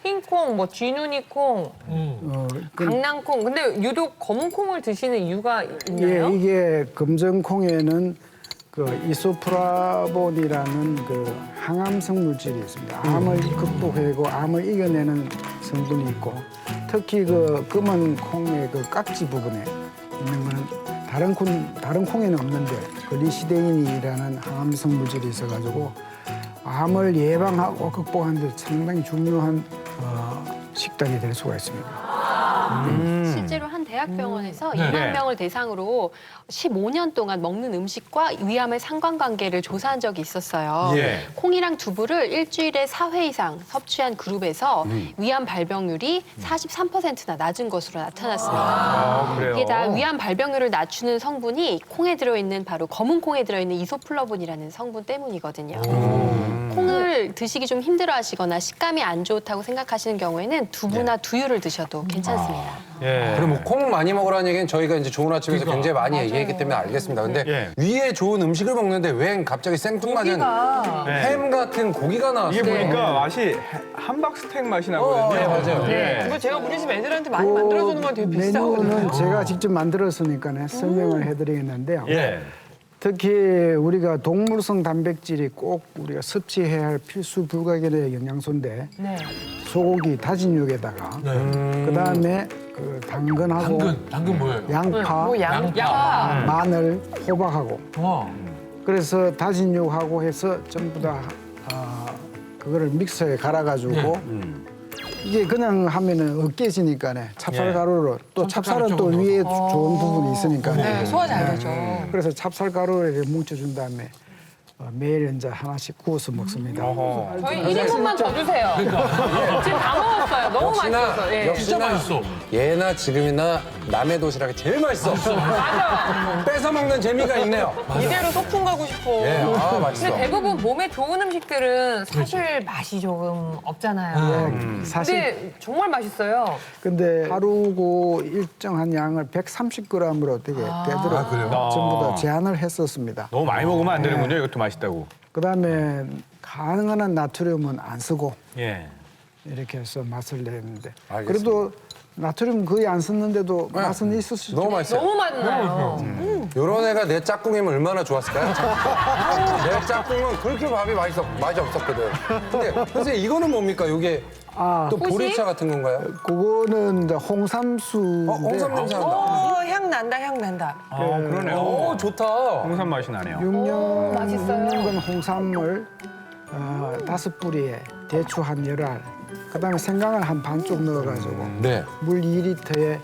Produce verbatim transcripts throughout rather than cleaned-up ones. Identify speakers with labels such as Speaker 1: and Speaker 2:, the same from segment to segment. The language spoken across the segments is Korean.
Speaker 1: 흰콩, 뭐 쥐누니콩,
Speaker 2: 어, 그,
Speaker 1: 강낭콩. 근데 유독 검은 콩을 드시는 이유가 있나요?
Speaker 2: 예, 이게 검정콩에는 그 이소프라본이라는 그 항암성 물질이 있습니다. 암을 극복하고 암을 이겨내는 성분이 있고, 특히 그 검은 콩의 그 깍지 부분에 있는 거는 다른 콩 다른 콩에는 없는데 그 리시데인이라는 항암성 물질이 있어가지고 암을 예방하고 극복하는 데 상당히 중요한 어, 식단이 될 수가 있습니다.
Speaker 3: 실제로 한 대학병원에서
Speaker 4: 네.
Speaker 3: 이만 명을 대상으로 십오 년 동안 먹는 음식과 위암의 상관관계를 조사한 적이 있었어요.
Speaker 4: 예.
Speaker 3: 콩이랑 두부를 일주일에 사 회 이상 섭취한 그룹에서 위암 발병률이 사십삼 퍼센트나 낮은 것으로 나타났습니다.
Speaker 4: 아, 그래요?
Speaker 3: 이게 다 위암 발병률을 낮추는 성분이 콩에 들어있는 바로 검은 콩에 들어있는 이소플라본이라는 성분 때문이거든요. 콩을 드시기 좀 힘들어하시거나 식감이 안 좋다고 생각하시는 경우에는 두부나 두유를 드셔도 괜찮습니다.
Speaker 4: 예.
Speaker 5: 그럼 뭐 콩 많이 먹으라는 얘기는 저희가 이제 좋은 아침에서 굉장히 많이 얘기했기 때문에 알겠습니다. 근데
Speaker 4: 예.
Speaker 5: 위에 좋은 음식을 먹는데 웬 갑자기 생뚱맞은
Speaker 1: 고기가.
Speaker 5: 햄 같은 고기가 나왔어요.
Speaker 4: 이게 보니까 맛이 함박스테이크 맛이 나거든요.
Speaker 5: 어, 네, 맞아요.
Speaker 4: 예.
Speaker 1: 이거 제가 우리 집 애들한테 많이 만들어주는 건 되게 비싸거든요.
Speaker 2: 메뉴는 제가 직접 만들었으니까 설명을 해드리겠는데요.
Speaker 4: 예.
Speaker 2: 특히 우리가 동물성 단백질이 꼭 우리가 섭취해야 할 필수 불가결의 영양소인데
Speaker 1: 네.
Speaker 2: 소고기 다진 육에다가 그다음에 그 당근하고
Speaker 6: 당근, 당근 뭐예요?
Speaker 2: 양파,
Speaker 1: 뭐 양,
Speaker 6: 양파.
Speaker 1: 양파.
Speaker 2: 마늘, 호박하고
Speaker 6: 와.
Speaker 2: 그래서 다진 육하고 해서 전부 다 어, 그거를 믹서에 갈아가지고 이게 그냥 하면은 으깨지니까네 찹쌀
Speaker 4: 예.
Speaker 2: 가루로 또 찹쌀은 또
Speaker 6: 조금
Speaker 2: 위에 좋은 부분이 있으니까
Speaker 1: 네, 소화 잘 되죠.
Speaker 2: 그래서 찹쌀 가루를 이렇게 뭉쳐준 다음에 어, 매일 이제 하나씩 구워서 먹습니다.
Speaker 4: 어허.
Speaker 1: 저희 일 인분만 더 주세요. 지금 다 먹었어요. 너무
Speaker 5: 역시나
Speaker 1: 맛있었어요. 예.
Speaker 5: 역시나
Speaker 6: 맛있어.
Speaker 5: 예나 지금이나 남의 도시락이 제일 맛있어.
Speaker 1: 맞아.
Speaker 5: 뺏어 먹는 재미가 있네요.
Speaker 1: 이대로 소풍 가고 싶어.
Speaker 5: 예, 아 맛있어.
Speaker 1: 근데 대부분 몸에 좋은 음식들은 사실 맛이 조금 없잖아요.
Speaker 2: 네, 사실
Speaker 1: 근데 정말 맛있어요.
Speaker 2: 근데 하루고 일정한 양을 백삼십 그램으로 되게 되도록 전부 다 제한을 했었습니다.
Speaker 4: 너무 많이 먹으면 안 되는군요. 이것도 맛있다고.
Speaker 2: 그다음에 가능한 한 나트륨은 안 쓰고
Speaker 4: 예.
Speaker 2: 이렇게 해서 맛을 내는데
Speaker 5: 알겠습니다.
Speaker 2: 그래도 나트륨 거의 안 썼는데도 맛은 있을 수 있죠.
Speaker 5: 너무 맛있어요.
Speaker 1: 너무 맛나요.
Speaker 5: 요런 애가 내 짝꿍이면 얼마나 좋았을까요? 내 짝꿍은 그렇게 밥이 맛있어, 맛이 없었거든. 근데 선생님 이거는 뭡니까? 이게
Speaker 2: 아,
Speaker 5: 또 보리차 같은 건가요?
Speaker 2: 그거는 이제 홍삼수인데
Speaker 5: 어, 홍삼 냄새 난다.
Speaker 1: 어, 향 난다, 향 난다.
Speaker 4: 아, 그러네요.
Speaker 5: 오, 좋다.
Speaker 4: 홍삼 맛이 나네요.
Speaker 2: 육 년
Speaker 1: 맛있어요.
Speaker 2: 육 년간 홍삼을 어, 다섯 뿌리에 대추 한 열 알, 그다음에 생강을 한 반쪽 넣어가지고
Speaker 5: 네.
Speaker 2: 물 이 리터에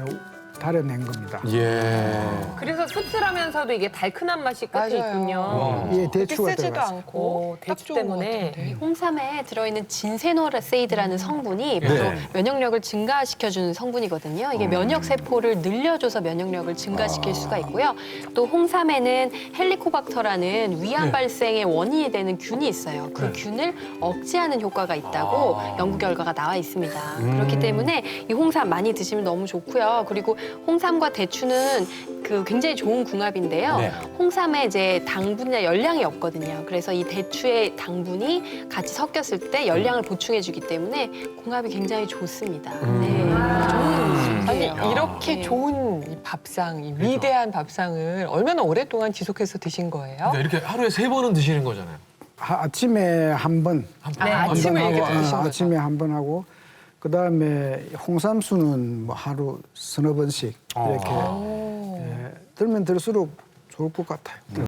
Speaker 2: 달여낸 겁니다.
Speaker 5: 예.
Speaker 1: 그래서 씁쓸하면서도 이게 달큰한 맛이 끝에
Speaker 7: 맞아요.
Speaker 1: 있군요.
Speaker 2: 이게 대추가
Speaker 7: 쓰지도
Speaker 2: 들어가서
Speaker 7: 않고
Speaker 1: 오,
Speaker 7: 딱
Speaker 1: 대추
Speaker 7: 좋은 것
Speaker 1: 때문에.
Speaker 7: 같은데.
Speaker 3: 이 홍삼에 들어있는 진세노라세이드라는 성분이 바로
Speaker 4: 네.
Speaker 3: 면역력을 증가시켜주는 성분이거든요. 이게 면역 세포를 늘려줘서 면역력을 증가시킬 수가 있고요. 또 홍삼에는 헬리코박터라는 위암 발생의 원인이 되는 균이 있어요. 그 균을 억제하는 효과가 있다고 연구 결과가 나와 있습니다. 그렇기 때문에 이 홍삼 많이 드시면 너무 좋고요. 그리고 홍삼과 대추는 그 굉장히 좋은 궁합인데요.
Speaker 4: 네.
Speaker 3: 홍삼에 이제 당분이나 열량이 없거든요. 그래서 이 대추의 당분이 같이 섞였을 때 열량을 보충해주기 때문에 궁합이 굉장히 좋습니다. 네. 좋은
Speaker 7: 아니
Speaker 3: 음식이에요.
Speaker 7: 이렇게
Speaker 3: 네.
Speaker 7: 좋은 이 밥상, 이 위대한 밥상을 얼마나 오랫동안 지속해서 드신 거예요?
Speaker 6: 그러니까 이렇게 하루에 세 번은 드시는 거잖아요.
Speaker 2: 하- 아침에 한 번,
Speaker 7: 네,
Speaker 2: 한
Speaker 7: 아침에
Speaker 2: 번
Speaker 7: 이렇게
Speaker 2: 하고,
Speaker 7: 드신
Speaker 2: 어,
Speaker 7: 거죠?
Speaker 2: 아침에 한 번 하고 그다음에 홍삼수는 뭐 하루 서너 번씩 이렇게 예, 들면 들수록 좋을 것 같아요.